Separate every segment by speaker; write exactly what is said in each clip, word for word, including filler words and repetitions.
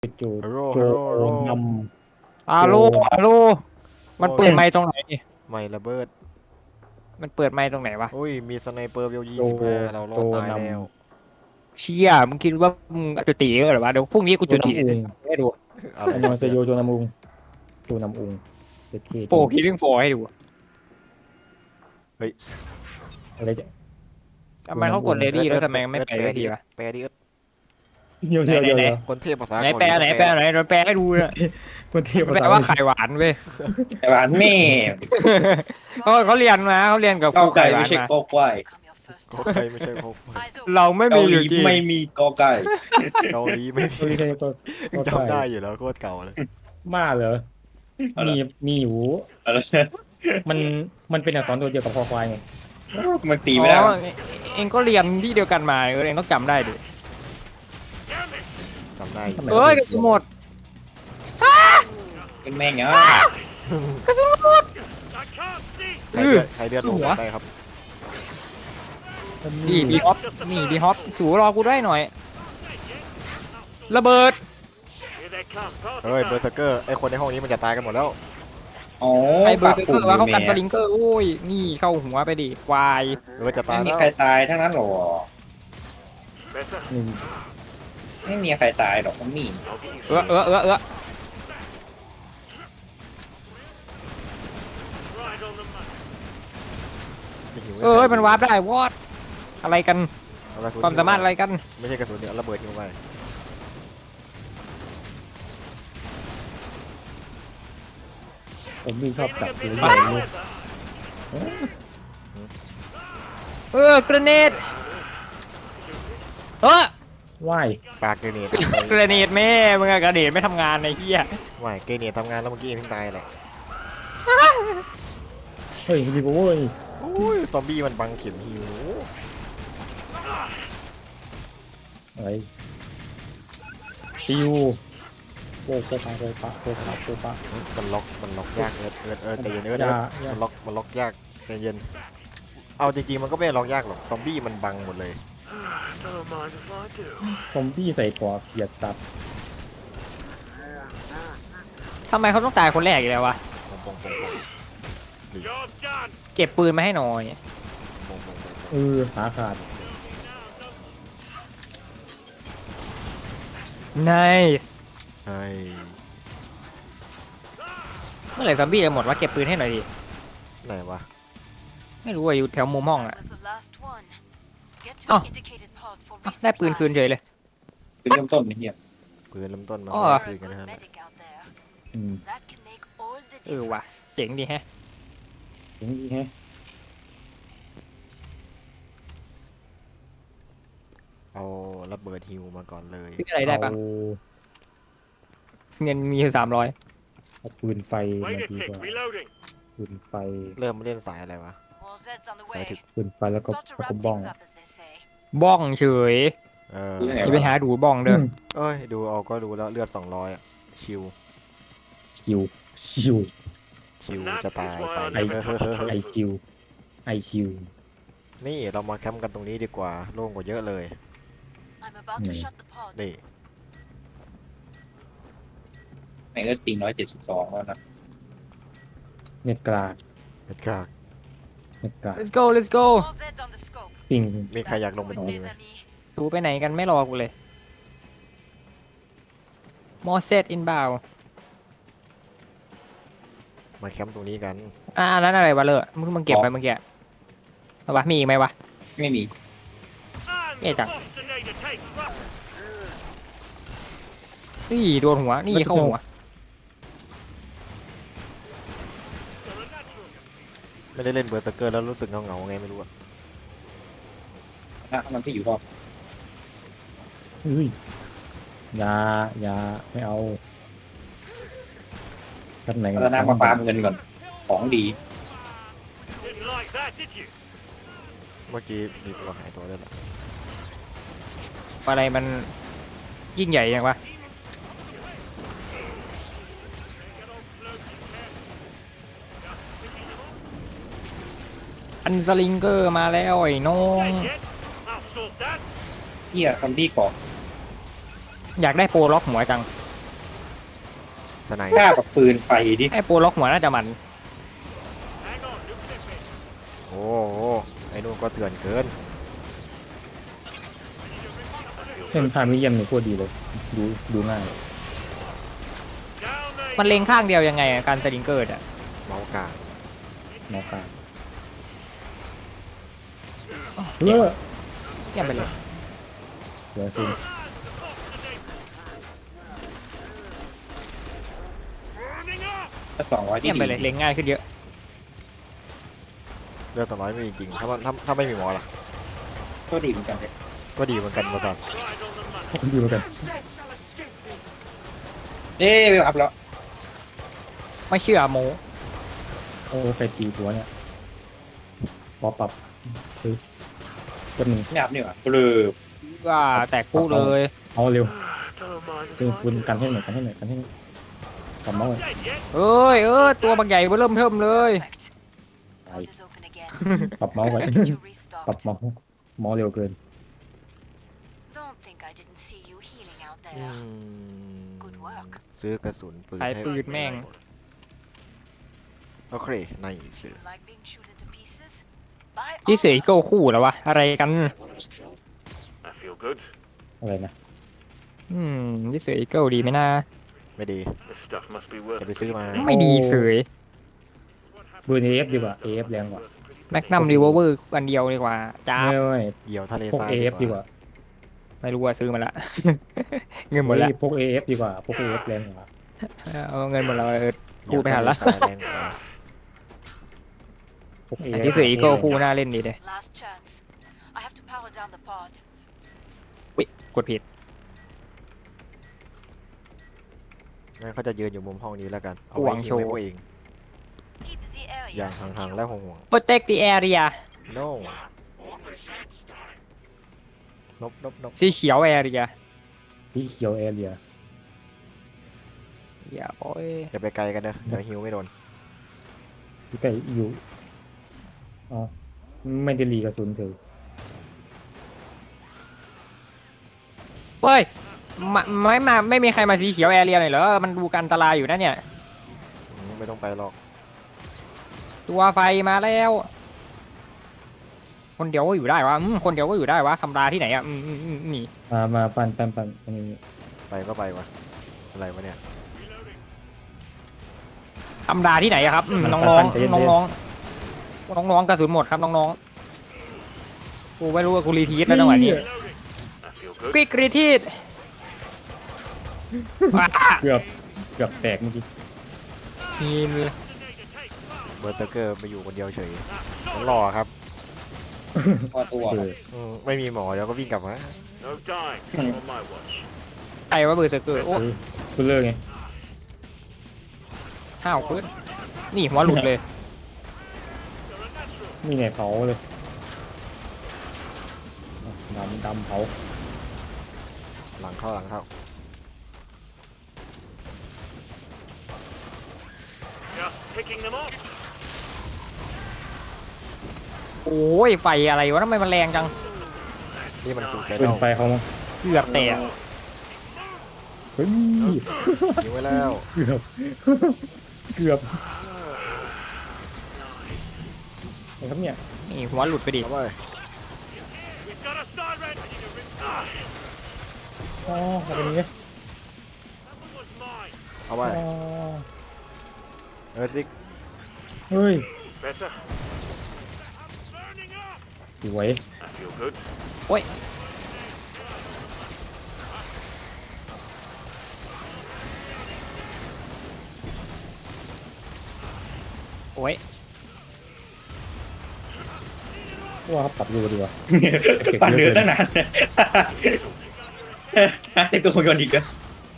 Speaker 1: จู
Speaker 2: ฮัลโหล
Speaker 1: โจ
Speaker 2: ฮัลโหลฮัลโหล
Speaker 1: นำ
Speaker 3: อา
Speaker 1: โจ
Speaker 3: โลอาโลมันเปิดไมค์ตรงไหนนี่
Speaker 2: ไม่ระเบิด
Speaker 3: มันเปิดไมค์ตรงไหนวะ
Speaker 2: อุ้ยมีสไนเปอร์เวล
Speaker 1: โจ
Speaker 2: ยี่สิบห้าเรารอ
Speaker 1: โจ
Speaker 2: ดตาย
Speaker 1: น
Speaker 2: แล้ว
Speaker 3: เชี่ยมึงคิดว่ามึงจุติเหรอวะเดี๋ยวพรุ่งนี้กู
Speaker 1: ำโจ
Speaker 3: จุติ
Speaker 1: นำอุง
Speaker 3: ให้ดู
Speaker 2: อะไร
Speaker 1: อันยองเซโยโจนำอุงโจนำอุงเจ็ดเค
Speaker 3: โปรคิดเรื่องโฟให้ดู
Speaker 2: เฮ้ย
Speaker 1: อะไรจะ
Speaker 3: ทำไมเขากดเลดี้แล้วทำไมไม่ไปเลดี้วะ
Speaker 2: แปลดิเอิร์ธ
Speaker 1: เดี๋ยวเดี๋ยวเดี๋ยว
Speaker 3: ไหน
Speaker 1: เดี๋ยว
Speaker 2: คนเทพภาษา
Speaker 3: ไหน
Speaker 2: เกาห
Speaker 3: แปล
Speaker 2: ลี
Speaker 3: ไหนแปลไหนเราแปลให้ดูนะ
Speaker 1: คนเทียบ
Speaker 3: แปลว่าไข่หวานเว้ย
Speaker 4: ไข่หวานแม่
Speaker 3: เขาเขาเรียนมาเขาเรียนกับค
Speaker 4: เก้า
Speaker 3: รู
Speaker 4: ไก่
Speaker 3: ไข่หวา
Speaker 4: ไม่
Speaker 3: น
Speaker 4: ใช่
Speaker 3: มา
Speaker 4: กอไก่
Speaker 2: โคไก่ไม่ใช่โค
Speaker 3: เราไม่
Speaker 4: เกา
Speaker 3: มีอ
Speaker 4: หลี
Speaker 3: ยู่จริง
Speaker 4: ไม่มีกอไก่
Speaker 2: เกาหลีไม่
Speaker 1: ตัว
Speaker 2: มี
Speaker 1: นี้ใช่ตัวตัว
Speaker 2: จำได้อยู่แล้วโคตรเก่าเลย
Speaker 1: มาเหรอมีมีอยู่
Speaker 4: อะไร
Speaker 1: มันมันเป็นอักษรตัวเดียวกับคอควายไง
Speaker 4: มันตีไม่ได้
Speaker 3: อ๋อเองก็เรียนที่เดียวกันมาเออเองต้องจำได้ดิ
Speaker 2: จำได้อยู่
Speaker 3: เอ้ยกระสุนหมด
Speaker 4: เป็นแม่งเนาะ
Speaker 2: ใครเลือดใครเลือดลงจำได้ครับ
Speaker 3: ดีดีฮอปนี่ดีฮอปสูรอกูได้หน่อย ระเบิด
Speaker 2: เฮ้ยเบอร์เซอร์เกอร์ไอคนในห้องนี้มันจะตายกันหมดแล้ว
Speaker 4: อ๋อ
Speaker 3: ไอ้เบอร์เซอร์เกอร์ว่าเขากันส
Speaker 4: แม่
Speaker 3: ลิงเกอร์โอ้ยนี่เข้าหัวไปดิควาย
Speaker 2: หรือว่าจะตา
Speaker 4: ไม่
Speaker 2: ย
Speaker 4: มี
Speaker 2: แล้ว
Speaker 4: ใครตายทั้งนั้นหรอ
Speaker 1: หนึ่ง
Speaker 4: ไม่มีใครตายหรอกมันมี
Speaker 3: เออเออเออเออเออมันวาร์ปได้วอดอะไรกัน
Speaker 2: เอกระสุน
Speaker 3: ความสามารถอะไรกัน
Speaker 2: ไม่ใช่กระสุนเดี๋ยวระเบิดทิ้งไป
Speaker 1: ผมมีชอบจับตัวให
Speaker 3: ไป
Speaker 1: ญ่เลย
Speaker 3: เออกระเนดเออ
Speaker 1: ว่าย
Speaker 2: ปากเกเนต
Speaker 3: กระเนดแม่มึงอะกระเนดไม่ทำงานไอ้เหี้ย
Speaker 2: ไม่เกเนตทำงานแล้วเมื่อกี้เองเพิ่งตายแหละ
Speaker 1: เฮ้ยมีโว้ย
Speaker 2: โอ้ยซอมบี้มันบังเข็มหิว
Speaker 1: อะไรซิวโอ้โคปาโคปาโคปาโคปา
Speaker 2: มันล็อกมันล็อกยากเอิร์ดเอิร์ดเอิร์ดใจเย็นเอิร์ด
Speaker 1: อย่า
Speaker 2: เอิร์ด
Speaker 1: อย่า
Speaker 2: มันล็อกมันล็อกยากใจเย็นเอาจริงๆมันก็ไม่ได้ล็อกยากหรอกซอมบี้มันบังหมดเลย
Speaker 1: ซอมบี้ใส่ปอเกียดตัด
Speaker 3: ทำไมเขาต้องตายคนแรกอีกแล้ววะ
Speaker 2: ปงปงปงปง
Speaker 3: เก็บปืนมาให้หน่อย
Speaker 2: ปงปงปง
Speaker 1: เออขาขาด
Speaker 3: nice
Speaker 2: ไอ้
Speaker 3: เมื่อไหร่ซอมบี้จะหมดวะเก็บปืนให้หน่อยดิ
Speaker 2: ไหนวะ
Speaker 3: ไม่รู้ว่าอยู่แถวมุมห้องอะ
Speaker 5: อ๋อ
Speaker 3: ได้ปืนคืนเฉยเลย
Speaker 4: เป็นเริ่มต้นนี่เฮีย
Speaker 2: ปืนเริ่มต้นมา
Speaker 3: อ๋อ
Speaker 2: คุยกันนะฮะ
Speaker 1: อืม
Speaker 3: เออว่ะเจ๋งดีแฮะ
Speaker 1: ถึงดีแฮะ
Speaker 2: เอาระเบิดฮิวมาก่อนเลย
Speaker 3: ซื้ออะไรได้ปะ
Speaker 1: เอา
Speaker 3: เงินมีสามร้อย
Speaker 1: เอาปืนไฟมาดีกว่าปืนไฟ
Speaker 2: เริ่มเล่นสายอะไรวะ สายถึก
Speaker 1: ปืนไฟแล้วก็แล้วก็บ้อง
Speaker 3: บ้องเฉย
Speaker 2: เออ
Speaker 3: อย่าไปหาดูบ้องเด้อ
Speaker 2: เอ้ยดูเอาก็ดูแล้วเลือดสองร้อยอะชิว
Speaker 1: คิวชิว
Speaker 2: ชิวจะตายไป
Speaker 1: ไอไอคิวไอคิว
Speaker 2: นี่เรามาแคมป์กันตรงนี้ดีกว่าโล่งกว่าเยอะเลยนี่
Speaker 4: แม่งก็ตีน้อยเจ็ดสิบสองแล้วนะ
Speaker 1: เน็ตกลาง
Speaker 2: เอ็ดกาก
Speaker 1: เน็ตกลาง
Speaker 3: let's go let's go
Speaker 1: ปิง
Speaker 2: มีใครอยากลงไปตรงนี้ไหม
Speaker 3: ดูไปไหนกันไม่รอกูเลย more set inbound
Speaker 2: มาแคมป์ตรงนี้กัน
Speaker 3: อ่าอันนั้นอะไรวะเลอะมึงมึงเก็บไปเมื่อกี้เอาวะมีอีกไหมวะ
Speaker 4: ไม่มี
Speaker 3: เอ๊ะจังนี่โดนหัวนี่เข้าหัว
Speaker 2: ไม่ได้เล่นเบอร์สเกอร์แล้วรู้สึกเงาเงาๆไงไม่รู้อะ
Speaker 4: นะมันที่อยู่รอบ
Speaker 1: เฮ้ยอยาอยาไม่เอากันไหน
Speaker 4: แล้วน้ำมาปาเงินก่อนของดี
Speaker 2: เมื่อกี้มีตัวหายตัวด้วยเหรอ
Speaker 3: อะไรมันยิ่งใหญ่ยังวะอันสลิงเกอร์มาแล้วไอ้น้อง
Speaker 4: เฮียซอมบี้เกาะ
Speaker 3: อยากได้โปรล็อกหัวจัง
Speaker 2: สไน
Speaker 4: กล้ากับปืนไฟดิ
Speaker 3: ไอ้โปรล็อกหัวน่าจะมัน
Speaker 2: โอ้โหไอ้นู่นก็เถื่อนเกิน
Speaker 1: เล่นพามิเยียมนี่โคตรดีเลยดูดูง่าย
Speaker 3: มันเล็งข้างเดียวยังไงอะการสลิงเกิดอะ
Speaker 2: เมาส์กลาง
Speaker 1: หมอกลางเออ
Speaker 3: เยี่ยมไปเลย
Speaker 1: เดี๋ยวคุณ
Speaker 4: ถ้าสองร้อยที่
Speaker 3: เยี่ยมไปเลย
Speaker 4: ดี
Speaker 3: เล็งง่ายขึ้นเยอะ
Speaker 2: เลือดสองร้อยไม่จริงๆถ้ามันถ้าถ้าไม่มีหมอล่ะ
Speaker 4: ก็ดีเหมือนกันเลย
Speaker 2: ก็ดีเหมือนกันมาสัน
Speaker 1: ดีเหมือนกัน
Speaker 4: เอ๊ะไม่อัพแล้ว
Speaker 3: ไม่เชื่อโม
Speaker 1: โอ้ไปตีตัวเนี่ยปอปรับคือตัวหนึ่ง
Speaker 4: ไม่อัพนี่หว่าเบลอ
Speaker 3: ว่าแตกคู่เลย
Speaker 1: เอาเร็วคือคุณกันให้หน่อยกันให้หน่อยกันให้หน่อยกลับมาเลย
Speaker 3: เอ้ยเออตัวบางใหญ่เริ่มเทิมเลย
Speaker 5: Perfect. Pod is open again.
Speaker 1: ปรับเมาส์ไว้
Speaker 5: Get you
Speaker 1: ปรับ
Speaker 5: restocked.
Speaker 1: เมาส์เมาส์เร็วเกิน
Speaker 5: Don't think I didn't see you healing out
Speaker 2: อื
Speaker 5: there.
Speaker 2: ม
Speaker 5: Good work.
Speaker 2: ซื้อกระสุนปืน
Speaker 3: ขาย
Speaker 2: ให้
Speaker 3: ปืนแม่ง
Speaker 2: โอเคในซื้อ
Speaker 5: Like being chewed into pieces? By
Speaker 3: พี่เสือ
Speaker 5: all
Speaker 3: อีโก้คู่แล้ววะอะไรกัน
Speaker 6: I feel good.
Speaker 1: อะไรนะ
Speaker 3: อืมพี่เสืออีโก้ดีไหมนะ
Speaker 2: ไม่ดี
Speaker 6: This stuff must be worth
Speaker 2: จะไปซื้อมา
Speaker 3: ไม่ดีเสย
Speaker 1: เบอร์เอฟดีกว่าเอฟแรงกว่า
Speaker 3: แมกนัมรีเวอร์เวอร์อันเดียวดีกว่าจ้า
Speaker 1: ไม่ไม่
Speaker 2: เดี่ยวทะเล
Speaker 1: พวก
Speaker 2: ทราย
Speaker 1: เอฟดีกว่า
Speaker 3: ไม่รู้ว่าซื้อมาละ เงินหมดละ
Speaker 1: เฮ้ยพวกเอฟดีกว่าพวกเอฟแรงกว่า
Speaker 3: เอาเงินหมดแล้วเออ
Speaker 2: เดี่ยว
Speaker 3: กูไปหาละ
Speaker 2: ทะเลทรายแรงกว่า
Speaker 1: พวกเอ
Speaker 3: แต่
Speaker 1: ฟ
Speaker 3: พี่เสืออีโก้คู่น่าเล่นดีเลย
Speaker 5: last chance. I have to power down the pod.
Speaker 3: กดผิด
Speaker 2: งั้นเขาจะยืนอยู่มุมห้องนี้แล้วกัน เอา
Speaker 3: ห
Speaker 2: ไว้
Speaker 3: วัง
Speaker 2: ยิ
Speaker 3: โช
Speaker 2: ง
Speaker 3: ว์
Speaker 2: ไว้พวกเอง
Speaker 5: Keep the area
Speaker 2: อย่างห่างๆและ
Speaker 5: secure.
Speaker 2: ห่วง
Speaker 3: protect the area
Speaker 2: ๆ no นบนบนบ
Speaker 3: สีเขียว area
Speaker 1: ที่เขียวแอเรีย
Speaker 3: อย่าโอ้ย
Speaker 2: อย่าไปไกลกันเด้อเดี๋ยวฮิวไม่โดน
Speaker 1: ที่ใกล้อยู่อ๋อไม่ได้รีกระสุนคือ
Speaker 3: เฮ้ยมาไม่มาไม่มีใครมาสีเขียว area หน่อยเหรอมันดูการอันตรายอยู่นะเนี่ย
Speaker 2: อืมไม่ต้องไปหรอก
Speaker 3: ตัวไฟมาแล้ว คนเดียวก็อยู่ได้วะอืมคนเดียวก็อยู่ได้วะทำราที่ไหนอ่ะอืมอืมอืมอืมนี่
Speaker 1: มามาปั่นปั่นปั่นตรงนี้
Speaker 2: ไปก็ไปวะอะไรวะเนี่ย
Speaker 3: ทำราที่ไหนอะครับอืมน้องน้องน้องน้องน้องน้องๆกระสุนหมดครับน้องน้องๆกูไม่รู้ว่ากูรีทีสแล้วจังหวะนี้
Speaker 6: I feel good.
Speaker 3: ควิกรีทีสว้า
Speaker 1: เกือบเกือบแตกเมื่อกี้
Speaker 3: ทีมเลย
Speaker 2: เบอร์เซอร์เกอร์ไปอยู่คนเดียวเฉยต้องรอครับ
Speaker 4: พอตัว
Speaker 1: เออ
Speaker 2: อืมไม่มีหมอเดี๋ยวก็วิ่งกลับมา
Speaker 6: No dying on my watch.
Speaker 3: ใครว่าเบอร์เซอร์เกอร์โอ้
Speaker 1: เออคุณเลิกไง
Speaker 3: ห้าวขึ้นนี่หัวหลุดเลย
Speaker 1: มีไหนเผาเลยดำดำเผา
Speaker 2: หลังเข้าหลังเข้า
Speaker 6: Just picking them off.
Speaker 3: โอ้ยไฟอะไรวะทำไมมันแรงจัง
Speaker 2: นี่มันสูดไฟ
Speaker 1: เกิน
Speaker 2: เน่า
Speaker 1: ไปเขามั้ง
Speaker 3: เกือบแตก
Speaker 1: เฮ้ย
Speaker 2: ยิงไว้แล้ว
Speaker 1: เกือบเกือบไอ้ครับเนี่ย
Speaker 3: นี่หัวหลุดไปดิ
Speaker 2: เอาไป
Speaker 6: We've got a siren. Ah,
Speaker 1: อ๋อเอาเป็นอย่างงี้
Speaker 6: that one was mine.
Speaker 2: เอาไป
Speaker 1: อ๋อ
Speaker 2: เออซิก
Speaker 1: เฮ้ย
Speaker 6: Better. Burning up.
Speaker 1: สวย
Speaker 6: I feel good.
Speaker 3: โอ้ยโอ้ย
Speaker 1: ว่าเขาปรับดูดีกว่า
Speaker 4: ปั่นเนื้อตั้งนานไอตัวคนก่อนอีกอะ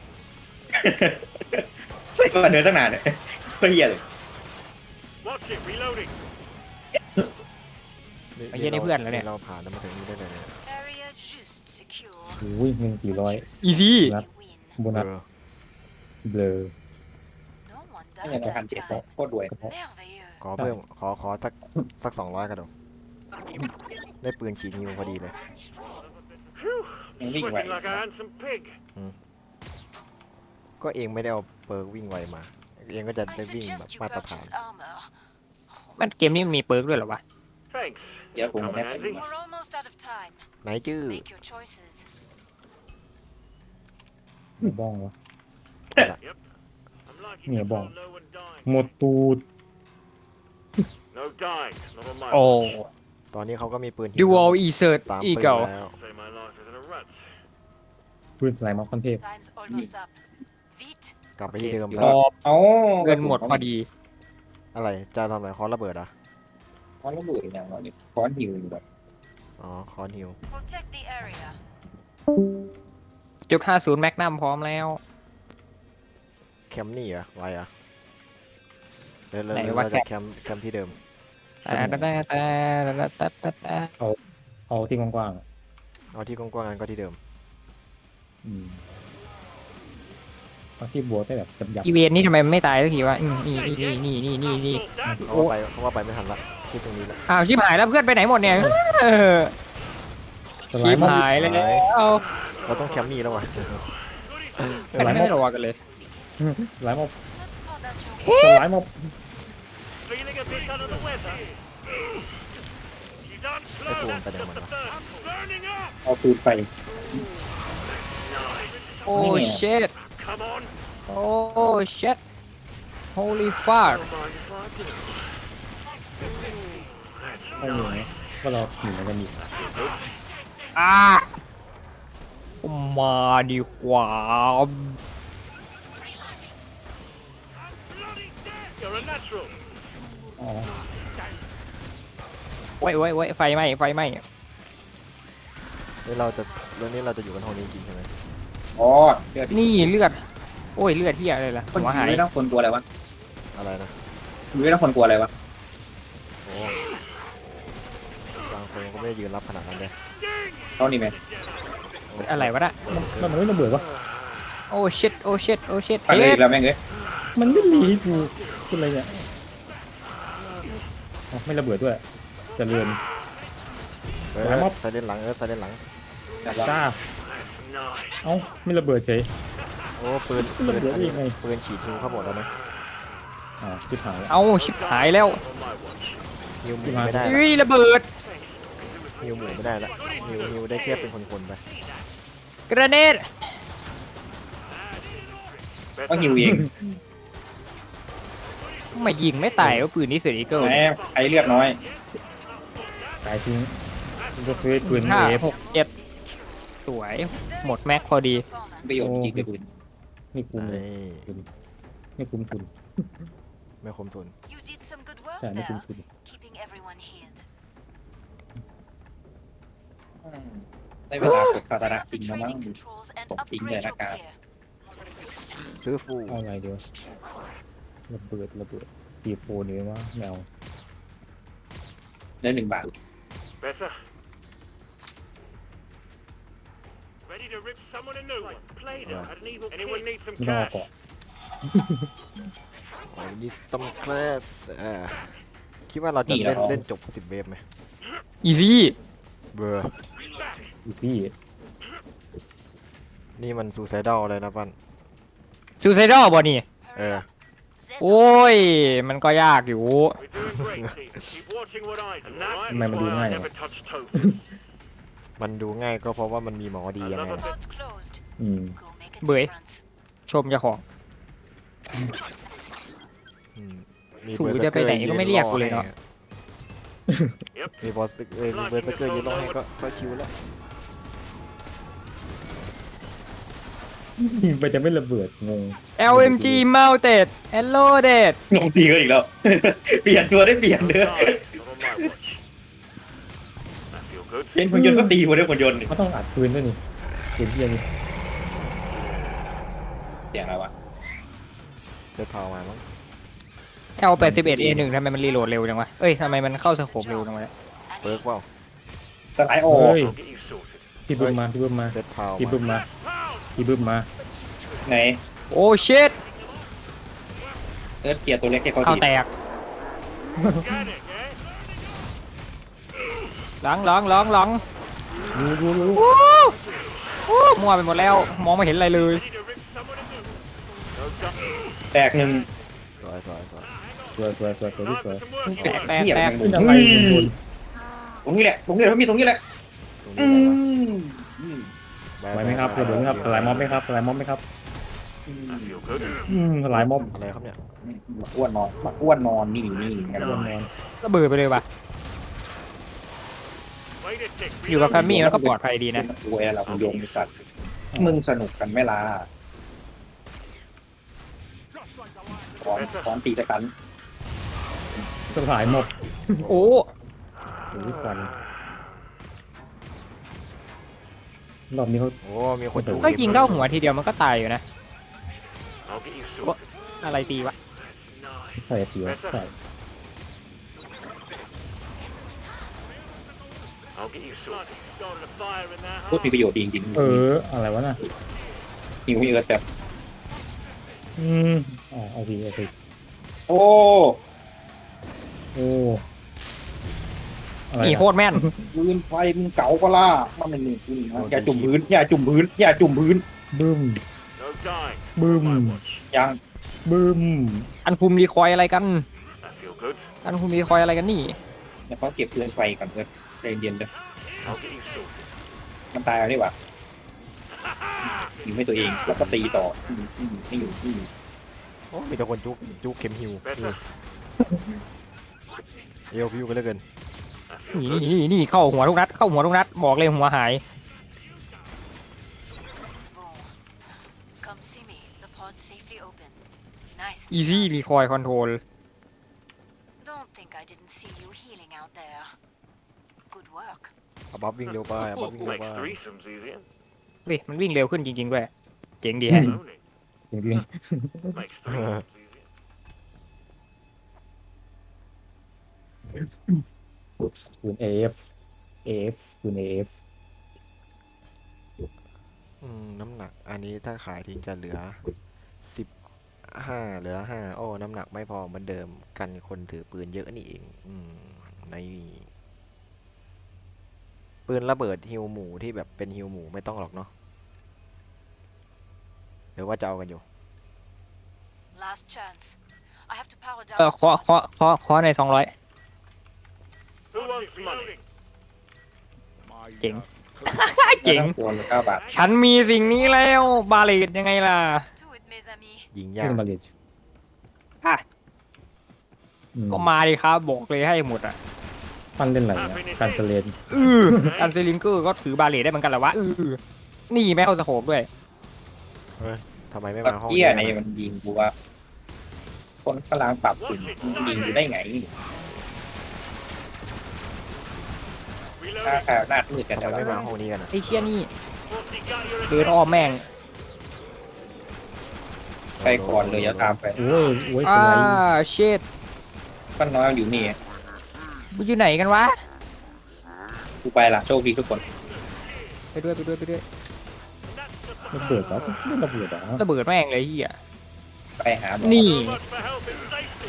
Speaker 4: ไม่ปั่นเนื้อตั้งนานเลยก็เหี้ยเลย
Speaker 6: Watch it. Reloading.
Speaker 3: ไอ้เหี้ยนี่เพื่อนแล้วเนี่ย
Speaker 2: เราผ่านแล้วมาถึงนี่ได้เลยเนี่ย
Speaker 5: Area just secure.
Speaker 1: โอ้ยเงินสี่ร้อย
Speaker 3: อีซี่
Speaker 1: นัด
Speaker 5: We win.
Speaker 1: โบนัส
Speaker 2: เออ
Speaker 1: เบลอ
Speaker 5: No one
Speaker 4: นี่ไง
Speaker 5: died
Speaker 4: เราพัน
Speaker 5: that
Speaker 4: เจ็ด
Speaker 5: time.
Speaker 4: โคตรรวย
Speaker 5: Merveilleux.
Speaker 2: ขอเพิ่มขอขอสักสักสองร้อยกันดูได้ปืนฉีดนิวพอดีเลย
Speaker 6: Phew.
Speaker 4: ยังวิ่งไหว
Speaker 6: Sweating like a handsome pig.
Speaker 2: ก็เองไม่ได้เอาเปิร์กวิ่งไวมา เองก็จะ
Speaker 5: I
Speaker 2: ได้วิ่งแบบ
Speaker 5: suggest you
Speaker 2: มาตรฐาน
Speaker 5: purchase armor.
Speaker 3: มันเกมนี้มันมีเปิร์กด้วยเหรอวะ
Speaker 6: Thanks.
Speaker 4: Yeah,
Speaker 6: This'll come in
Speaker 4: well,
Speaker 6: handy.
Speaker 5: We're almost out of time.
Speaker 2: ไหนจื้อ
Speaker 5: Make your choices.
Speaker 1: หมูบ้องวะ
Speaker 6: I'm liking
Speaker 1: Mia
Speaker 6: this
Speaker 1: bong.
Speaker 6: whole no one dying.
Speaker 1: หมดตูด
Speaker 6: No dying. Not on my
Speaker 3: โอ้
Speaker 6: watch.
Speaker 2: ตอนนี้เขาก็มีปืน
Speaker 3: ดูวอลอีเซิร์ต
Speaker 2: สาม
Speaker 3: อี
Speaker 2: ปืน
Speaker 3: เก่า
Speaker 2: แล้ว
Speaker 6: Say my life is in a rut.
Speaker 1: ปืนสไลม์มอคคอนเทพ
Speaker 5: Time's almost up. Vite.
Speaker 2: กลับไปที่เดิม
Speaker 1: ค
Speaker 2: แล้
Speaker 1: รั
Speaker 2: ว
Speaker 1: บ
Speaker 4: เอา
Speaker 3: เงินหมดพอดี
Speaker 2: อะไรจะทำอะไรคอนระเบิดอ่ะ
Speaker 4: ค้อนระเบิดอย่างเราเนี่ยค้อนหิวอยู่แบบ
Speaker 2: อ๋อคอนฮิว
Speaker 5: Protect the area.
Speaker 3: จุดห้าศูนย์แมกนัมพร้อมแล้ว
Speaker 2: แคมป์นี่เหรอไวเหรอ่ะเดี๋ยวเรา
Speaker 3: ไหน
Speaker 2: เรา
Speaker 3: วะ
Speaker 2: จะแคมป์แคมป์ที่เดิม
Speaker 3: แต่แต่แต่แต่แต่แต่แต่
Speaker 1: เอาที่กว้างๆอะ
Speaker 2: เอาที่กว้างๆกันก็ที่เดิม
Speaker 1: อืมเอาที่บัวได้แบบจับยับ
Speaker 3: อีเวนต์นี่ทำไมมันไม่ตายสักทีวะอืมนี่นี่นี่นี่นี่นี่
Speaker 6: That
Speaker 2: เพราะว่าไปเพราะว่าไปไม่ทันละที่ตรงนี้ละ
Speaker 3: อ้าวชิบหายแล้วเพื่อนไปไหนหมดเนี่ยเออ
Speaker 1: สไล
Speaker 3: ชิบ
Speaker 1: ม์มอค
Speaker 3: หายแล้ว
Speaker 2: เราต้องแคมป์นี่แล้ววะ
Speaker 3: มันไม่รอกันเลย
Speaker 1: สไลม์มอค
Speaker 5: Let's call that your
Speaker 1: สไลม์มอค
Speaker 6: feeling a bit under the weather. She's on slow.
Speaker 2: Ito,
Speaker 6: That's
Speaker 2: ang
Speaker 6: just the
Speaker 2: tanong
Speaker 6: first. I'm burning up.
Speaker 4: เอาปืนไป
Speaker 6: Nice.
Speaker 3: โอ้เชิด
Speaker 6: Come on.
Speaker 3: โอ้เชิด holy fuck
Speaker 6: Don't mind if I do. That's
Speaker 1: ไม่มีนะ
Speaker 6: nice.
Speaker 1: ก็เราหนีกันอยู่
Speaker 3: อ่ามาดีกว่า
Speaker 6: Bloody dead. You're a natural.
Speaker 1: อ๋อ
Speaker 3: ไว้ไว้ไว้ไฟไหม้ไฟไหม้
Speaker 2: นี่เราจะเรื่องนี้เราจะอยู่กันห้องนี้จริงใช่ไหม
Speaker 4: อ๋อเลือด
Speaker 3: นี่เลือด โอ้ยเลือดที่อะไรล่ะ
Speaker 4: คน
Speaker 3: หัวหาย
Speaker 4: ไม่ต้องคนกลัวอะไรวะ
Speaker 2: อะไรนะ
Speaker 4: ไม่ต้องคนกลัวอะไรวะ
Speaker 2: โอ้บางคนก็ไม่ได้ยืนรับขนาดนั้นเลย
Speaker 4: เท่านี้ไหม
Speaker 3: อะไรวะน่ะ
Speaker 1: มันมันไม่ระเบิดวะ
Speaker 3: โอ้ชิตโอ้ชิตโอ้ชิต
Speaker 4: ไปเลย
Speaker 3: เฮ้
Speaker 4: อี
Speaker 3: ย
Speaker 4: กแล้วแม่งเอ้ย
Speaker 1: มันไม่หนีกูคุณอะไรเนี่ยอ๋อไม่ระเบิดด้วยเจะเรือน
Speaker 2: เออ
Speaker 1: หลังม็อบ
Speaker 2: ใส่เลนหลังเออใส่เลนหลัง
Speaker 1: จ้า
Speaker 6: That's nice.
Speaker 1: เอ้าไม่ระเบิดเฉย
Speaker 2: โอ้ปืนปืน
Speaker 1: ระเบิด
Speaker 2: อัน
Speaker 1: ได้
Speaker 2: นี้
Speaker 1: ยังไง
Speaker 2: ปืนฉีดฮิวเข้าหมดแล้วนะ
Speaker 1: อ๋อชิบหายแล้ว
Speaker 3: เอาชิบหายแล้ว
Speaker 6: On my watch.
Speaker 2: ฮิวหมู
Speaker 1: ที่มา
Speaker 2: ไม่ได้ละ
Speaker 3: เฮ้ยระเบิด
Speaker 2: ฮิวหมูไม่ได้ละฮิวฮิวได้แค่เป็นคนๆไป
Speaker 3: กระเนด
Speaker 4: ต้องหิวเอง
Speaker 3: ไม่ยิงไม่ตายว่าปืนนี้เสืออีเกิล
Speaker 4: แหมใครเลือดน้อย
Speaker 1: ตายทิ้งมันก็คือปืน
Speaker 3: ห้า
Speaker 1: เวฟ
Speaker 3: หกเจ็ดสวย หมดแม็กพอดี
Speaker 4: ประโยชน์จริงเลยปืน
Speaker 1: ไม่คุ้มเลย
Speaker 2: เอ้ย
Speaker 1: ไม่คุ้มทุน
Speaker 2: ไม่คมทุน
Speaker 5: You did some good work
Speaker 1: ใช่ไม่คุ้ม
Speaker 5: there,
Speaker 1: ทุน
Speaker 5: keeping everyone healed.
Speaker 4: ได้เวลากดคาตาระ
Speaker 5: Bring up
Speaker 4: จริ
Speaker 5: the
Speaker 4: งแล้วมั้ง
Speaker 5: trading controls and
Speaker 4: Bọc kính
Speaker 5: upgrade
Speaker 4: về
Speaker 5: your
Speaker 4: đã cả.
Speaker 5: gear.
Speaker 2: ซื้อฟู
Speaker 1: เอาอะไรเดียวระเบิดระเบิดตีโฟนเลยว่าแมว
Speaker 4: ได้หนึ่งบาท
Speaker 6: Better. Ready to rip someone a new one. Played it. Had an evil Anyone need some
Speaker 1: ไม่ต้องเอา
Speaker 6: cash?
Speaker 1: เกาะ
Speaker 2: อ๋อนี่ซัมคลาสเออคิดว่าเราจะ
Speaker 4: นี่
Speaker 2: เล่น
Speaker 4: เหรอ
Speaker 2: เล่นจบสิบเวฟไหม
Speaker 3: อีซี่
Speaker 2: เบอร์
Speaker 1: อีพี่
Speaker 2: นี่มันซูไซดอลเลยนะปั้น
Speaker 3: ซูไซดอลบอนี่
Speaker 2: เออ
Speaker 5: Zed
Speaker 3: โอ้ย มันก็ยากอยู่
Speaker 6: We're doing great, team. Keep watching what I do. And that's
Speaker 1: ทำไมมันดู
Speaker 6: why
Speaker 1: ง่าย
Speaker 6: I
Speaker 1: วะ
Speaker 6: never touch tokens.
Speaker 2: มันดูง่ายก็เพราะว่ามันมีหมอดียังไง
Speaker 6: Another
Speaker 2: ล่ะ
Speaker 5: Port's closed.
Speaker 1: อืม
Speaker 5: Go make a
Speaker 3: Bưởi.
Speaker 5: difference.
Speaker 3: ชมเจ้าของ
Speaker 2: อืมมี
Speaker 3: ถู
Speaker 2: เบอร์
Speaker 3: จะไปไหนก็ไม่เรียกกูเลยเนอะ
Speaker 6: Yep.
Speaker 2: มีบอสเอ้ยมีเบอร์สเกอร์ยืนรอให้ก็ก็คิวแล้ว
Speaker 1: ยิงไปจะไม่ระเบิดงง
Speaker 3: แอล เอ็ม จี mounted and loaded
Speaker 4: งงตีกันอีกแล้ว เปลี่ยนตัวได้เปลี่ยนเด้อ
Speaker 6: Not on my watch. That feel good.
Speaker 4: เย็นคนยนต์ก็ตีคนได้คนยนต์
Speaker 1: เขาต้องอัดปืนด้วยนี่ปืนเฮียนี่
Speaker 4: เสียงอะไรวะ
Speaker 2: เซตพาวมามั้ง
Speaker 3: แอล แปดสิบเอ็ด เอ หนึ่ง ทำไมมันรีโหลดเร็วจังวะ เอ้ยทำไมมันเข้าสโคปเร็วจังวะ
Speaker 2: เบิร์กเปล่า
Speaker 4: สไลด์ออก
Speaker 1: เฮ้ย
Speaker 6: I'll get you sorted.
Speaker 1: พี่บึ้มมาพี่บึ้มมา
Speaker 2: เซตพาว
Speaker 1: พี่
Speaker 2: มา
Speaker 1: บึ้มมา
Speaker 6: Pound!
Speaker 1: พี่บึ้มมา
Speaker 4: ไหน
Speaker 3: โอ้ชิต
Speaker 4: เอิร์ธเกียร์ตัวเล็กแค่เขา
Speaker 3: เอา
Speaker 4: ดี
Speaker 3: แตก
Speaker 6: Get it, eh?
Speaker 3: หลังหลังหลังหลัง
Speaker 1: รู้รู้รู้
Speaker 3: วู้วู้มั่วไปหมดแล้ว มองไม่เห็นอะไรเลย
Speaker 6: Ready to rip someone a new one. done.
Speaker 4: แตกหนึ่ง
Speaker 2: สวยสวยสวย
Speaker 1: สวยสวยสวยสวยที่
Speaker 6: Time
Speaker 1: สวย
Speaker 6: for some work.
Speaker 3: แตกแตก
Speaker 4: เหี้ย
Speaker 3: แตก
Speaker 4: แม่ง
Speaker 1: ขึ้น
Speaker 4: โด
Speaker 1: อะไร
Speaker 4: น
Speaker 1: โดน
Speaker 4: ตรงนี้แหละตรงนี้แหละพี่ตรงนี้แหละ
Speaker 2: ตรง
Speaker 4: อื
Speaker 2: นี้
Speaker 4: มอืม
Speaker 2: อะ
Speaker 1: ไหวไหมครับเดี๋ยวไหมครับหลายม็อบไหมครับหลายม็อบไหมครับ
Speaker 6: I feel good.
Speaker 1: อืมหลายม็อบ
Speaker 2: อะไรครับเนี่ย
Speaker 4: บักอ้วนนอนบักอ้วนนอนนี่นี่ไง
Speaker 1: โดนแมน
Speaker 3: ระเบิดไปเลยว่ะ
Speaker 6: Wait a tick.
Speaker 3: อยู่กับแฟมมี่มันก็ปลอดภัยดีนะ
Speaker 4: โวยอะไรคุณโยมสัตว์มึงสนุกกันไหม่ล่ะตอนตอนตีตะกัน
Speaker 1: สลายม็อบ
Speaker 3: โอ้
Speaker 1: โอ้ยควันรอบนี้เขา
Speaker 2: โอ้มีคนจุก
Speaker 3: ก็ยิงเข้าหัวทีเดียวมันก็ตายอยู่นะ
Speaker 6: I'll get you sorted.
Speaker 3: อะไรตีวะ
Speaker 6: That's nice.
Speaker 1: ใส่เสียวใส่
Speaker 6: I'll get you sorted. Started a fire in there,
Speaker 4: พูด
Speaker 6: huh?
Speaker 4: มีประโยชน์ดีจริง
Speaker 1: เอออะไรวะน่ะ
Speaker 4: ๆหิวมีเอิร์ธแบบ
Speaker 1: อืมอ๋อเอาสิเอาสิ
Speaker 4: โอ้
Speaker 1: โอ้อะไร
Speaker 3: นี่
Speaker 1: นะ
Speaker 3: โคตรแม่น
Speaker 4: ปืนไฟมึงเก๋าปะล่ะมันเป็นนี่ปืนนะอย่าจุ่มพื้นอย่าจุ่มพื้นอย่าจุ่มพื้น
Speaker 1: บึ้ม
Speaker 6: No dying.
Speaker 1: Boom.
Speaker 6: On my watch.
Speaker 4: ยัง
Speaker 1: บึ้ม
Speaker 3: อันคุมรีคอยอะไรกัน
Speaker 6: I feel good.
Speaker 3: อันคุมรีคอยอะไรกันนี่
Speaker 4: เดี๋ยวเขาเก็บปืนไฟก่อนเอิร์ธใจเย็นๆเด้อ
Speaker 6: I'll get you sorted.
Speaker 4: มันตายแล้วนี่หว่ายิงให้ตัวเองแล้วก็ตีต่ออืมอืมไม่อยู่อืม
Speaker 2: โอ้มีแต่คนจุกจุกเข็มหิว
Speaker 6: Better.
Speaker 2: เอลพิวกันเหลือเกิน
Speaker 6: I feel
Speaker 3: นี่
Speaker 6: good.
Speaker 3: นี่นี่เข้าหัวทุกนัด เข้าหัวทุกนัด บอกเลยหัวหาย
Speaker 5: Boom. Come see me. The pod's safely open. Nice.
Speaker 3: easy รีคอยคอนโทรล
Speaker 5: Don't think I didn't see you healing out there. Good work.
Speaker 2: เอาบัฟวิ่งเร็วไปเอาบัฟวิ่งเร็วไป
Speaker 6: Makes threesomes easier.
Speaker 3: เฮ้ยมันวิ่งเร็วขึ้นจริงๆด้วย เจ๋งดีแฮะ
Speaker 6: Own it.
Speaker 1: จริง
Speaker 6: Makes threesomes easier.
Speaker 1: ๆคูณเอฟเอฟคูณเอฟ
Speaker 2: อืมน้ำหนักอันนี้ถ้าขายทิ้งจะเหลือสิบห้าเหลือห้าโอ้น้ำหนักไม่พอเหมือนเดิมกันคนถือปืนเยอะนี่เองอืมในปืนระเบิดฮิวหมูที่แบบเป็นฮิวหมูไม่ต้องหรอกเนาะหรือว่าจะเอากันอยู่
Speaker 5: Last chance. I have to power
Speaker 3: เออ
Speaker 5: down.
Speaker 3: เคาะเคาะเคาะเคาะในสองร้อย
Speaker 6: Who wants money?
Speaker 3: เจ๋ง เจ๋ง
Speaker 4: ควรเก้าบาท
Speaker 3: ฉันมีสิ่งนี้แล้ว บาเลตยังไงล่ะ
Speaker 5: Do it, mes amis.
Speaker 2: ยิง
Speaker 1: ขึ้
Speaker 2: ยาก
Speaker 1: นมาเรียน
Speaker 3: อ่ะ
Speaker 1: อืม
Speaker 3: ก็มาดิครับ บอกเลยให้หมดอ่ะ
Speaker 1: ปั้นเล่นอะไรเนี่ยการเสเลน
Speaker 3: เออการเซลิงเกอร์ก็ถือบาเลตได้เหมือนกันเหรอวะเออนี่แม่เอาสโคปด้วย
Speaker 2: ทำไมไม่
Speaker 4: ก็
Speaker 2: มาห้อง
Speaker 4: เกี้ยใน
Speaker 2: นี้
Speaker 4: มันยิงกูว่า คนกำลังปรับปืนยิงอยู่ได้ไงถ้า
Speaker 6: Reloading.
Speaker 4: ข่าวหน้ามืดกัน
Speaker 2: ทำ
Speaker 4: แต่
Speaker 2: ไม
Speaker 4: ว่า
Speaker 2: ไม่มาห้องนี้กันอะ
Speaker 3: ไอ้เชี่ยนี่
Speaker 6: Forty got your
Speaker 3: เดินอ้อมแม่ง
Speaker 4: ไปก่อนเลยอย่าตามไป
Speaker 1: โอ้ยโอ้ยเป็
Speaker 3: อ่าน
Speaker 1: ไร
Speaker 3: เชิด
Speaker 4: ปั้นน้อยอยู่นี่
Speaker 3: มึงอยู่ไหนกันวะ
Speaker 4: กูไปละโชคดีทุกคน
Speaker 3: ไปด้วยไปด้วยไปด้วย
Speaker 1: ระเบิดแล้วไม่ระเบิดเหรอ
Speaker 3: ระเบิดแม่งเลยเฮีย
Speaker 4: ไปหาหมอ
Speaker 3: นี่
Speaker 6: So much for help and safety.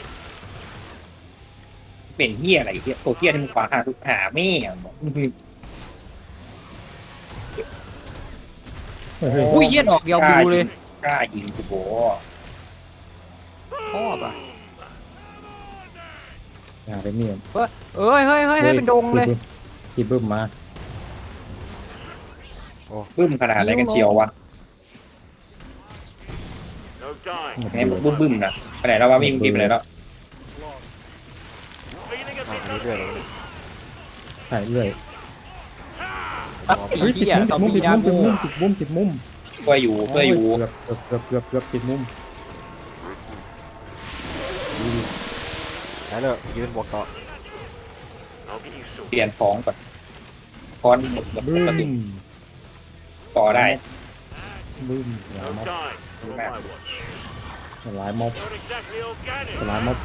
Speaker 4: เป็นเฮียอะไรเฮียตัวเฮียที่มึงขวางหาทุกหาแม่งบอก
Speaker 1: เฮ้ยเฮ้ย
Speaker 3: อุ้ยเฮียดอกเดียวบิวเลย
Speaker 4: กล้ายิงกูโบ
Speaker 3: ชอบอ่ะ
Speaker 1: อย่าไปเมียน
Speaker 3: เอ้ยเฮ้ยเฮ้ยเฮ้ยเป็นดงเลย
Speaker 1: ทีบึ้มมา
Speaker 4: บึ้มขนาดไหนกันเชียววะ
Speaker 6: No dying.
Speaker 4: แม่งบึ้มบึ้มๆนะไปไหนแล้ววะวิ่งทีไปไหนแล้ว
Speaker 6: Feeling a
Speaker 2: อ่ะ
Speaker 6: bit
Speaker 2: อันนี้เรื่อยเลย
Speaker 1: ใช่เรื่อย
Speaker 3: ปั๊บไอ้
Speaker 1: เฮ้ยติ
Speaker 3: เฮี
Speaker 1: ด
Speaker 3: ย
Speaker 1: มุม
Speaker 3: ตอม
Speaker 1: ติ
Speaker 3: มี
Speaker 1: ด
Speaker 3: นา
Speaker 1: มุ
Speaker 3: โก
Speaker 1: มติดมุมติดมุมติดมุม
Speaker 4: เพื่ออยู่เพื่ออยู่
Speaker 1: เกือบเกือบเกือบเกือบเกือบติดมุม
Speaker 2: ได้เลยยืนบวกต่อ
Speaker 6: I'll get you
Speaker 4: เปลี่
Speaker 6: sorted.
Speaker 4: ยนของก่อนคอนหมดหมด
Speaker 1: บึ้
Speaker 4: ปกติ
Speaker 1: ม
Speaker 4: ต่อได้
Speaker 1: บึ้มหลาย
Speaker 6: No
Speaker 1: ม็อบ
Speaker 6: dying. On my watch.
Speaker 1: หลายม็อบ
Speaker 6: Not exactly organic.
Speaker 1: หลายม็อบ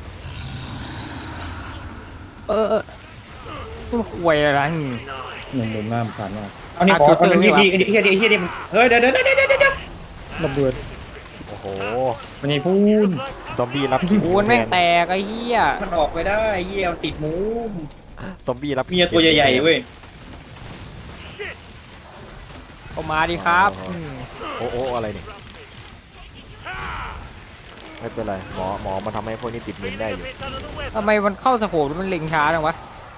Speaker 3: เออเออนี่มันควยอะไรอืม
Speaker 6: Nice.
Speaker 1: หนึ่งมุมหน้าผ่านมา
Speaker 4: เอานี่ขอเอานี่นี่นี่เฮียนี่เฮียนี่เฮ้ยเดี๋ยวเดี๋ยวเดี๋ยวเดี๋ยวเดี๋ยว
Speaker 1: ระเบิด
Speaker 2: โอ้โห
Speaker 1: มันนี่พูน
Speaker 2: ซอมบี้รับคิว
Speaker 3: โอนแม่งแตกไอ้เฮีย
Speaker 4: มันออกไปได้เฮียมันติดมุม
Speaker 2: ซอมบี้รับ
Speaker 4: เมียตัวใหญ่ๆเว้ย
Speaker 6: Shit.
Speaker 3: ก็มาดิครับม
Speaker 2: โอ้โอ้อะไรเนี่ยไม่เป็นไรหมอหมอมาทำให้พวกนี้ติดมือได้อยู่
Speaker 6: Bit under the weather.
Speaker 3: ทำไมมันเข้าสโคปแล้วมันเล็งช้าจังวะ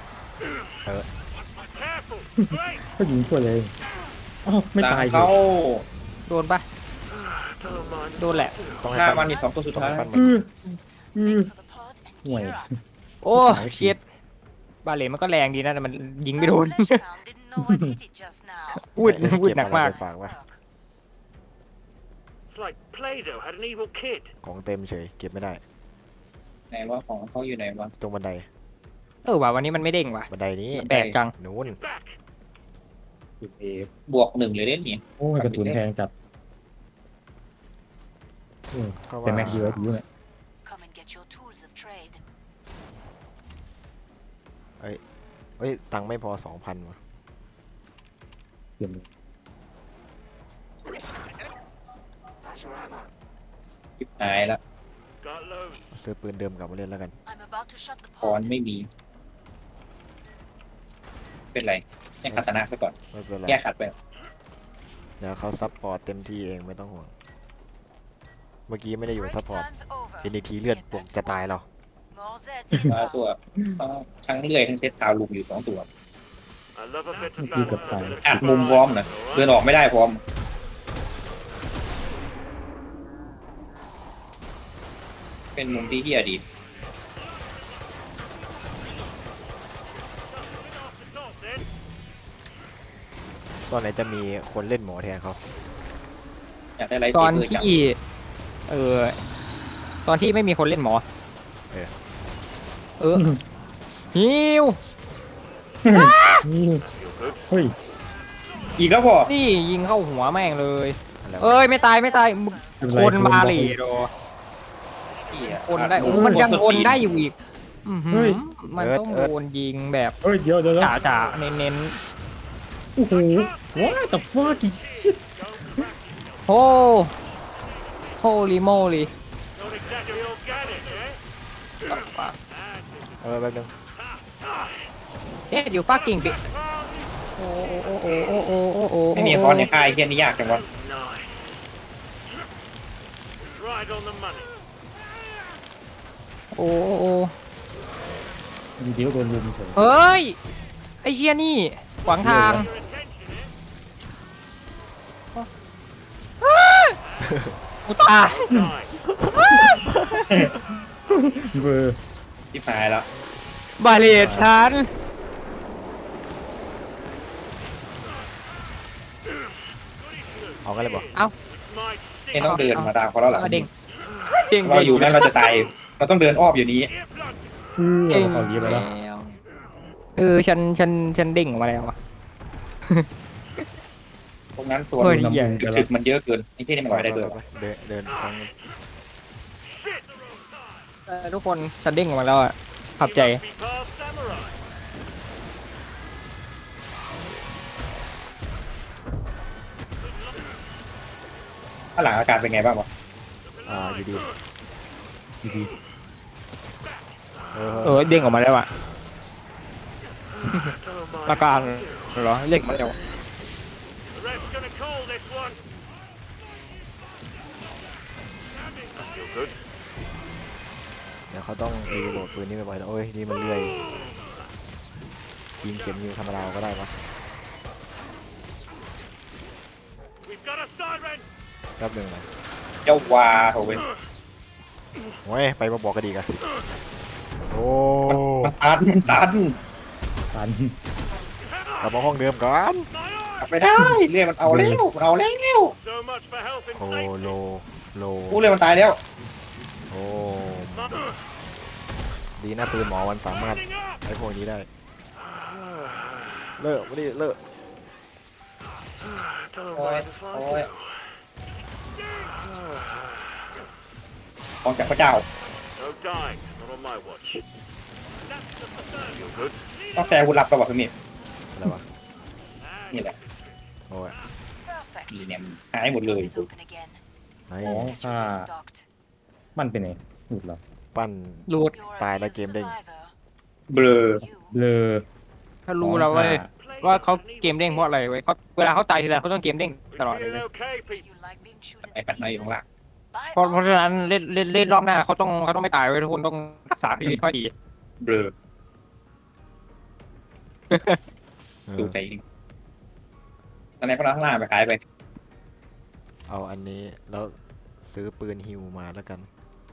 Speaker 6: Careful. Great.
Speaker 1: ก็ยิงช่วยเลยอ้าวไม่
Speaker 4: หลัง
Speaker 1: ตาย
Speaker 4: เขา
Speaker 3: โดนปะ
Speaker 6: Don't mind.
Speaker 3: โดนแหละ
Speaker 2: ต้องให้
Speaker 4: หน้า
Speaker 2: ปั้
Speaker 4: มัน นมีสองตัวสุด
Speaker 2: ต้อง
Speaker 4: ท้าย
Speaker 2: ให้ปั้นมัน
Speaker 1: อืออือ
Speaker 5: Make for the pod and
Speaker 1: ห่วย
Speaker 5: gear up.
Speaker 3: โอ้เชียดบาเลนมันก็แรงดีนะแต่มันยิงไม่โดน
Speaker 5: That fleshpound didn't know what hit it just now.
Speaker 3: วุดวุดหนักมาก
Speaker 2: ฝากไว้
Speaker 5: Work.
Speaker 6: It's like Play-Doh had an evil kid.
Speaker 2: ของเต็มเฉยเก็บไม่ได้
Speaker 4: ไหนว่าของเขาอยู่ไหนวะ
Speaker 2: ตรงบันได
Speaker 3: เออว่ะวันนี้มันไม่เด้งว่ะ
Speaker 2: บันไดนี้
Speaker 3: แปลกจัง
Speaker 2: นู้น
Speaker 6: Back.
Speaker 1: จุดเอบ
Speaker 4: วกหนึ่งเลยเล่นนี่
Speaker 1: โอ้ยกระสุนแพงจัดโอ้ย
Speaker 2: ก็
Speaker 1: แต่
Speaker 2: ว่า
Speaker 1: แม็กเยอะอยู่เนี่ย
Speaker 5: Come and get your tools of trade.
Speaker 2: เอ้ยตังค์ไม่พอสองพันวะ
Speaker 1: เปลี่ยน
Speaker 4: จิบหายแล้ว
Speaker 6: Got loads.
Speaker 2: ซื้อปืนเดิมกลับมาเล่นแล้วกัน
Speaker 5: I'm about to shut the
Speaker 4: คอน
Speaker 5: pod.
Speaker 4: ไม่มี เป็นไรแยกคาตานะไปก่อน
Speaker 2: ไม่เป็นไร
Speaker 4: แยกขัดไป
Speaker 2: เดี๋ยวเขาซัพพอร์ตเต็มที่เองไม่ต้องห่วง เมื่อกี้ไม่ได้อยู่
Speaker 5: Break
Speaker 2: ซัพพอร์ต
Speaker 5: time's over.
Speaker 2: เอ็นทีเลือดปกจะตายเรา
Speaker 5: More Zeds
Speaker 4: มา
Speaker 5: inbound.
Speaker 4: ตัวทั้งเลื่อยทั้งเซตทาวลุมอยู่สองตัว
Speaker 6: I love a bit of
Speaker 1: You got
Speaker 6: balance.
Speaker 1: time.
Speaker 6: a bit of
Speaker 4: อัดมุมพร้อมนะ
Speaker 6: All
Speaker 4: เดิน
Speaker 6: right.
Speaker 4: ออกไม่ได้พร้อม เป็นมุมที่เฮียดี
Speaker 6: Not then.
Speaker 2: ตอนไหนจะมีคนเล่นหมอแทนเขา
Speaker 4: อยากได้ไลท์
Speaker 3: ต
Speaker 4: เซ
Speaker 3: อน
Speaker 4: เบอร์จัง
Speaker 3: ที่เออตอนที่ไม่มีคนเล่นหมอ เออฮิว
Speaker 1: นี่เฮ้ย
Speaker 4: อีกแล้วพอ
Speaker 3: นี่ยิงเข้าหัวแม่งเลย
Speaker 2: อะไรวะ
Speaker 3: เอ้ยไม่ตายไม่ตายมึง
Speaker 1: เป็นไร
Speaker 3: คนมาเล
Speaker 1: โดนบล็อก
Speaker 3: โด
Speaker 4: เหี้ย
Speaker 3: คนได้โอ้มันยังคนได้อยู่อีกอื้อหื
Speaker 1: เฮ้
Speaker 3: อย มันต้องโดนยิงแบบ
Speaker 1: เฮ้ยเดี๋ยวเดี๋ยวเดี๋ยว
Speaker 3: จ่าจ่าๆเน้นเน้น
Speaker 1: โอ้โห what the fuck
Speaker 3: ๆโอ้โฮลิโมลี
Speaker 6: Not exactly organic, eh?
Speaker 2: เออแป๊บนึง
Speaker 3: เอ๊ะอยู่ฟักกิ้งปิโอ้โอ้โอ้โอ้โอ้โอ้โอ้
Speaker 4: ไม่มีคอนในค่ายเฮียนี่ยากจังวะ
Speaker 6: Nice. Right on the money.
Speaker 3: โอ้โอ้โอ้
Speaker 1: มีเดียวโดนลุมเฉย
Speaker 3: เฮ้ยไอเชียนี่ขวางทาง
Speaker 6: Your attention, eh?
Speaker 3: กูตาย
Speaker 6: Nice.
Speaker 1: เบอร์
Speaker 4: ที่หายแล้ว
Speaker 3: บาเลตฉัน
Speaker 2: เอากันเลยบอก
Speaker 3: เอ้า
Speaker 6: This might
Speaker 4: ไม่
Speaker 6: sting.
Speaker 4: ต้องเดินมาตามเขาแล้วหลัง
Speaker 3: เอาเด้งเด้ง
Speaker 4: เราอยู่นั่นเราจะตาย เราต้องเดินอ้อมอยู่นี้
Speaker 6: Earplug.
Speaker 1: เออ
Speaker 3: เด้ง
Speaker 1: เขาเยียบไปแล้ว
Speaker 3: เออฉันฉันฉันเด้งออกมาแล้วอะ
Speaker 4: ตรงนั้นตัว
Speaker 3: เฮ้ย
Speaker 4: น้ำ
Speaker 3: ใหญ่
Speaker 4: ถึกๆมันเยอะเกินไอ้ที่นี่มันลอยได้ด้วย
Speaker 2: ปเดินเดินทาง
Speaker 6: Shit.
Speaker 3: เออทุกคนฉันเด้งออกมาแล้วอ่ะขอบใจ
Speaker 6: You must be past samurai.
Speaker 4: ข้างหลังอาการเป็นไงบ้างวะ
Speaker 2: อ่าอยู่ดี
Speaker 1: ดี
Speaker 2: เออ
Speaker 3: เออเด้งออกมาแล้วอ่ะ
Speaker 6: Don't mind.
Speaker 3: อาการเหรอเด้งมาแล้ว
Speaker 6: The ref's gonna call this one. You're good.
Speaker 2: เดี๋ยวเขาต้องรีโหลดปืนนี้ไปไว้แล้วโอ้ยนี่มันเลื่อยยิงเข็มยิงธรรมดาก็ได้ปะ
Speaker 6: We've got a siren.
Speaker 2: แป๊บหนึงนะ
Speaker 4: เจ้าวาโถเว้ย
Speaker 2: โอ้ยไปมาบอกกันดีกันโอ้
Speaker 4: มันตันมันตัน
Speaker 1: ตัน
Speaker 2: กลับมาห้องเดิมก่อน
Speaker 6: My
Speaker 4: กลั
Speaker 6: eye.
Speaker 4: บไม่ได้เรื่อยมันเอาแล้วมันเอาแล้ว
Speaker 6: So much for health and
Speaker 2: โอ้
Speaker 6: safety.
Speaker 2: โลโล
Speaker 4: กูเรื่อยมันตายแล้ว
Speaker 2: โอ้
Speaker 6: My-
Speaker 2: ดีนะปืนหมอมันสามารถ
Speaker 6: Standing up.
Speaker 2: ไอ้พวกนี้ได้เลิกไม่ได้เลิก
Speaker 6: Don't
Speaker 4: โอ้ย
Speaker 6: mind if
Speaker 4: โอ้
Speaker 6: I
Speaker 4: ย
Speaker 6: do.
Speaker 4: ของจากพระเจ้า
Speaker 6: No dying. Not on my watch. That's just the third. You're good.
Speaker 4: ต้องแต่กูหลับกับว่าคือนี่
Speaker 2: อะไรวะ
Speaker 4: นี่แหละ
Speaker 2: โอ้ย
Speaker 5: Perfect.
Speaker 4: นี่เนี่ยหายหมดเลย
Speaker 5: Is open again.
Speaker 2: ไอ้
Speaker 1: อ๋อ
Speaker 5: Get
Speaker 1: ถ้า
Speaker 5: you restocked.
Speaker 1: มันเป็นไงหลุดเหรอ
Speaker 2: ปั้น
Speaker 3: รูด
Speaker 5: You're a
Speaker 2: Tài là
Speaker 5: real
Speaker 2: kiếm đinh.
Speaker 5: survivor.
Speaker 4: เบลอ
Speaker 5: You.
Speaker 1: เบลอ
Speaker 3: ถ้ารู้แล้วเว้ยว่าเขาเกมเด้งเพราะอะไรเว้ยเขาเวลาเขาตายทีไรเขาต้องเกมเด้งตลอดเลย
Speaker 6: Feeling
Speaker 3: เว้ย
Speaker 6: okay, people?
Speaker 5: You like being chewed
Speaker 4: ไอ้
Speaker 5: into
Speaker 4: ปัดมาอยู่
Speaker 5: pieces.
Speaker 4: ข้างล่าง
Speaker 5: By
Speaker 3: เพราะเพราะ
Speaker 5: all
Speaker 3: ฉะนั้นเล่นเล่นเล่นรอบหน้าเขาต้องเขาต้องไม่ตายไว้ยทุกคนต้องรักษาชีวิตเขาให้ดี
Speaker 4: เบลอ
Speaker 2: เอ
Speaker 4: ดู
Speaker 2: อ
Speaker 4: ใจจริงตอนนี้พวกเราข้างล่างไปขายไป
Speaker 2: เอาอันนี้แล้วซื้อปืนฮิวมาแล้วกัน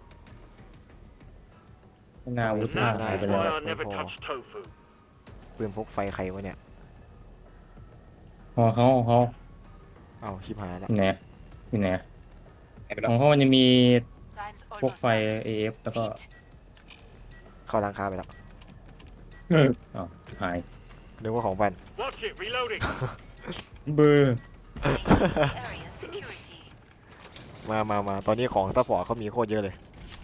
Speaker 1: หน้าวุฒิมาก
Speaker 2: ได้
Speaker 1: ใส่ไป
Speaker 6: That's
Speaker 1: เลย
Speaker 6: why I never touch tofu.
Speaker 2: ปืนพกไฟใครวะเนี่ย
Speaker 1: หอเขาของเขา
Speaker 2: เอาชิบหายละ
Speaker 1: ที่ไหนที่ไหน
Speaker 4: ขายไป
Speaker 1: ข
Speaker 4: แล้ว
Speaker 1: องเขามันจะมี
Speaker 5: time's
Speaker 1: พวก
Speaker 5: almost
Speaker 1: ไฟ
Speaker 5: up.
Speaker 1: เอฟแล้วก็
Speaker 5: Pete,
Speaker 2: เข้าร้านค้าไปแล้ว
Speaker 1: อ๋อหาย
Speaker 2: นึกว่าของบัน
Speaker 6: Watch it, reloading.
Speaker 1: เบอร์
Speaker 5: area security.
Speaker 2: มามามาตอนนี้ของซัพพอร์ตเขามีโคตรเยอะเลย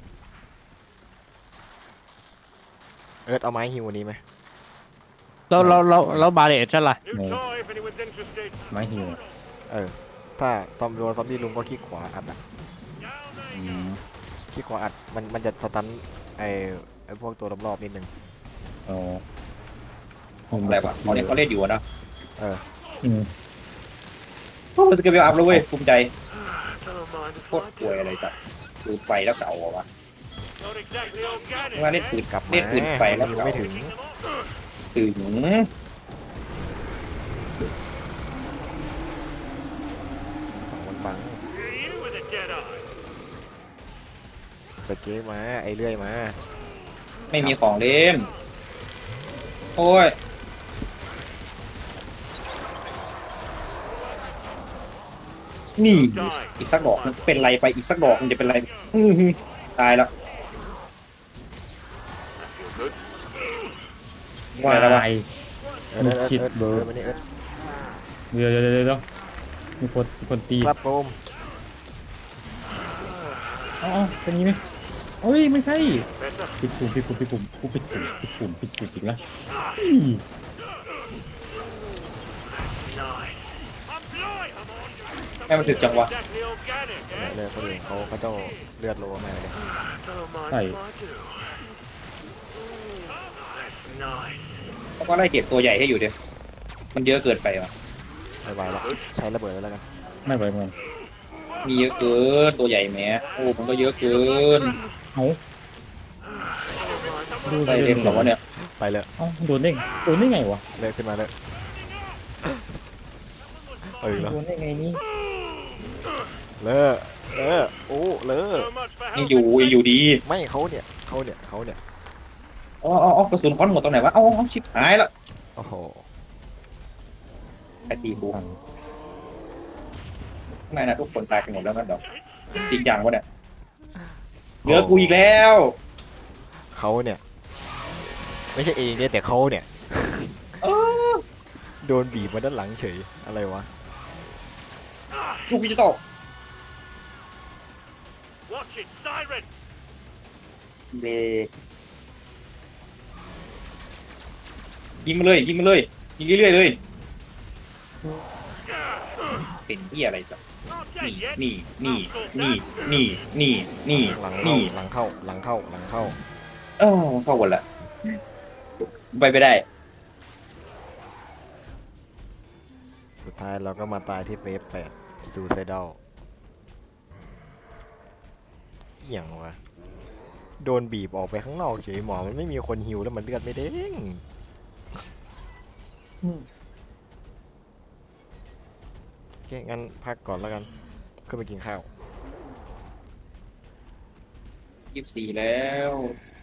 Speaker 2: เอิร์ธเอาไม้ฮิวอันนี้ไหม
Speaker 3: แล้วแล้วแล้วแล้วบาเลตใช่ล่ะ
Speaker 6: New toy if anyone's interested.
Speaker 1: ไม้หิว
Speaker 2: เออ ถ้าซอมโดนซอมบี้ลุงก็คลิกขวาอัดอะ
Speaker 6: Down there
Speaker 1: อื
Speaker 6: you
Speaker 1: ม
Speaker 2: คลิกขวาอัดมันมันจะสตันไอไอพวกตัวรอบๆนิดนึง
Speaker 1: อ๋อ
Speaker 4: อะไรวะตอนนี้เขาเล่นอยู่อะเนอะ
Speaker 2: เออ
Speaker 1: อืม
Speaker 4: โอ้สเกลอัพแล้วเว้ยภูมิใจ
Speaker 6: go. Don't mind if
Speaker 4: โคตร
Speaker 6: I
Speaker 4: ป่วย
Speaker 6: do.
Speaker 4: อะไรสัตว์ดูไฟแล้วเก่าเหรอวะ
Speaker 6: Not exactly organic.
Speaker 4: ว่าเล่นปืน
Speaker 2: กลับมา
Speaker 4: เล่นปืนไฟแล้ว
Speaker 2: ฮิว
Speaker 4: เก่า
Speaker 2: ไม่ถึง
Speaker 4: ถึง
Speaker 2: สองวันบัง
Speaker 6: You with a dead eye.
Speaker 2: สเก็ตมาไอเลื่อยมา
Speaker 4: ไม่มีของเล่นโอ้ยนี่อีกสักดอกมันเป็นไรไปอีกสักดอกมันจะเป็นไรอื้อหือตายแล้ว
Speaker 6: Feel good.
Speaker 1: วาย
Speaker 2: เอิร์ธเอิร์ธ
Speaker 1: คิด
Speaker 2: เอิร์ธ
Speaker 1: เบอร์
Speaker 2: เอิร์ธมานี่เอิร์ธ
Speaker 1: เดี๋ยวเดี๋ยวเดี๋ยวเดี๋ยวมีคนมีคนตี
Speaker 2: ครับผม
Speaker 1: อ๋อเป็นนี้ไหมเอ้ยไม่ใช่
Speaker 6: Better.
Speaker 1: ปิดปุ่มปิดปุ่มปิดปุ่มกูปิดปุ่มปิดปุ่มปิดปุ่มอีกแล้ว
Speaker 6: That's nice. I'm blind. I'm on.
Speaker 4: แม่มันถึกจังวะ
Speaker 6: Exactly organic,
Speaker 2: เนี่ย
Speaker 6: eh?
Speaker 2: เลือดคนอื่นเขาเขาเจ้าเลือดโลมากเลย
Speaker 6: Don't mind
Speaker 1: Hey.
Speaker 6: if I do. That's nice.
Speaker 4: เขาก็ไล่เก็บตัวใหญ่ให้อยู่เดียวมันเยอะเกินไปวะ
Speaker 2: ไม่ไหวแล้วใช้ระเบิดแล้วกัน
Speaker 1: ไม่ไหวเหมือน
Speaker 4: มีเยอะเกินตัวใหญ่แหมโอ้มันก็เยอะเกิน
Speaker 1: เอ้าดู
Speaker 4: ไปเล่นหรอวะเนี่ย
Speaker 2: ไปเลย
Speaker 1: เอ้าโดนได้โดนได้ไงวะ
Speaker 2: เลิกขึ้นมาเลยเออแล้ว
Speaker 1: โดนได้ไงนี่
Speaker 2: เลิกเลิกโอ้เลิก
Speaker 6: So much for
Speaker 4: ยัง
Speaker 6: helping.
Speaker 4: อยู่ยังอยู่ดี
Speaker 2: ไม่เขาเนี่ยเขาเนี่ยเขาเนี่ย
Speaker 4: อ๋ออ๋ออ๋อกระสุนค้อนหมดตรงไหนวะเอ้าเอาชิบหายละ
Speaker 2: โอ้โห
Speaker 4: ไอตีกูข้างในนะทุกคนตายกันหมดแล้วกันเดี๋ยวจริงจังวะเนี่ยเหลือกูอีกแล้ว
Speaker 2: เขาเนี่ย ไม่ใช่เองเนี่ยแต่เขาเนี่ย
Speaker 4: เออ
Speaker 2: โดนบีบมาด้านหลังเฉยอะไรวะ
Speaker 4: ลูกดิจิตอล
Speaker 6: Watch it, siren.
Speaker 4: เบลอยิงมาเลยยิงมาเลยยิงเรื่อยๆเลยเป็นที่อะไรสัก
Speaker 6: Not
Speaker 4: นี่
Speaker 6: dead yet.
Speaker 4: นี่นี่นี่นี่นี่นี่
Speaker 2: หลังเข้า
Speaker 4: นี่
Speaker 2: หลังเข้าหลังเข้าหลังเข้า
Speaker 4: เออเข้าหมดละไปไม่ได้
Speaker 2: สุดท้ายเราก็มาตายที่เวฟแปดซูไซดอลอย่างวะโดนบีบออกไปข้างนอกเฉยหมอมันไม่มีคนฮิวแล้วมันเลือดไม่เด้งโอเคงั้นพักก่อนแล้วกันขึ้นไปกินข้าว
Speaker 4: ยี่สิบสี่แล้ว